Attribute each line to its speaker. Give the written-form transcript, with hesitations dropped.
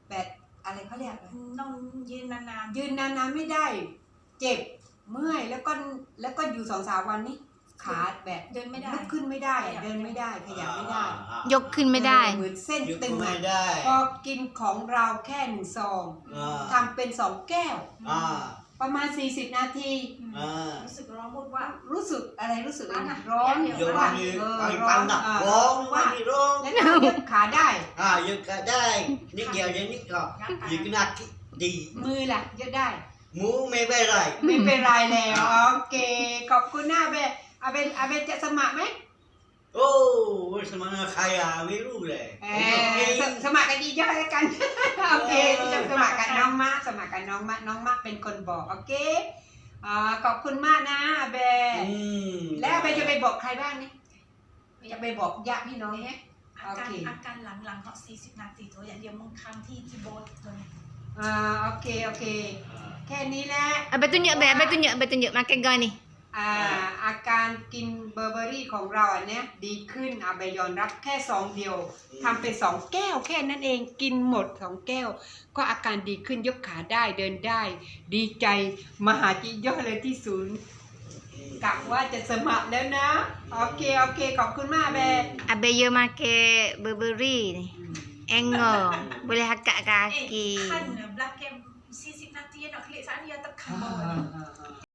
Speaker 1: แบบอะไรเขาเรียก
Speaker 2: ต้องยืนนาน
Speaker 1: ยืนนานๆไม่ได้ เจ็บเมื่อยแล้วก็อยู่2-3 วันนี้ขาแบบ
Speaker 2: ๆเดินไม่ได้
Speaker 1: ลุกขึ้นไม่ได้เดินไม่ได้ขยับไม่ได้
Speaker 3: ยกขึ้นไม่ได้
Speaker 1: เหมือนเส้น
Speaker 4: ยก
Speaker 1: ตึง
Speaker 4: ไม่ได้
Speaker 1: พอกินของเราแค่1 ซอง ทำเป็น2 แก้ว ประมาณ40 นาที
Speaker 2: รู้สึกร้อนมุดว่า
Speaker 1: รู้สึกอะไรรู้สึก
Speaker 2: ร้อนอะ
Speaker 1: ร้อน
Speaker 2: เดี๋ยว
Speaker 4: ยก
Speaker 1: ว่า
Speaker 4: นี่
Speaker 1: ร้อน
Speaker 4: ร้องว่าร้อง
Speaker 1: แล้วก็ยกขาได้
Speaker 4: ยกได้นิดเดียวยังนิดก็ยกหนักดี
Speaker 1: มือล่ะยกได้
Speaker 4: หมูไม่เป็นไร
Speaker 1: ไม่เป็นไรแล้วโอเคขอบคุณนะอาเบจะสมัครไหม
Speaker 4: โอ้สมัครใครไม่รู้เลย
Speaker 1: สมัครกันดีเยอะแล้วกันโอเคจะสมัครกันน้องมะสมัครกันน้องมะเป็นคนบอกโอเคขอบคุณมากนะอาเบแล้วอาเบจะไปบอกใครบ้างนี่จะไปบอกญาติพี่น้องเนี่ย
Speaker 2: อาการหลังๆเขา40 นาทีตัวอย่างเดียวมึงค้างที่โบสตัวนี้
Speaker 1: โอเคแค่นี้แหละ
Speaker 3: Abang tunjuk makan goi ni.
Speaker 1: อาการกินเบอร์เบอรี่ของเราอันเนี้ยดีขึ้นอาเบยอนรับแค่2 เดียวทำเป็น2 แก้วแค่นั้นเองกินหมด2 แก้วก็อาการดีขึ้นยกขาได้เดินได้ ดีใจมาหาจิโยเลยที่ศูนย์กะว่าจะสมัครแล้วนะโอเคขอบคุณมากเบ
Speaker 3: Abang yo makan Burberry ni. Engor. Boleh hakak kaki.
Speaker 2: ขั้นบลักเกม40 นาทีเนาะคลิกสัญญาตะคำ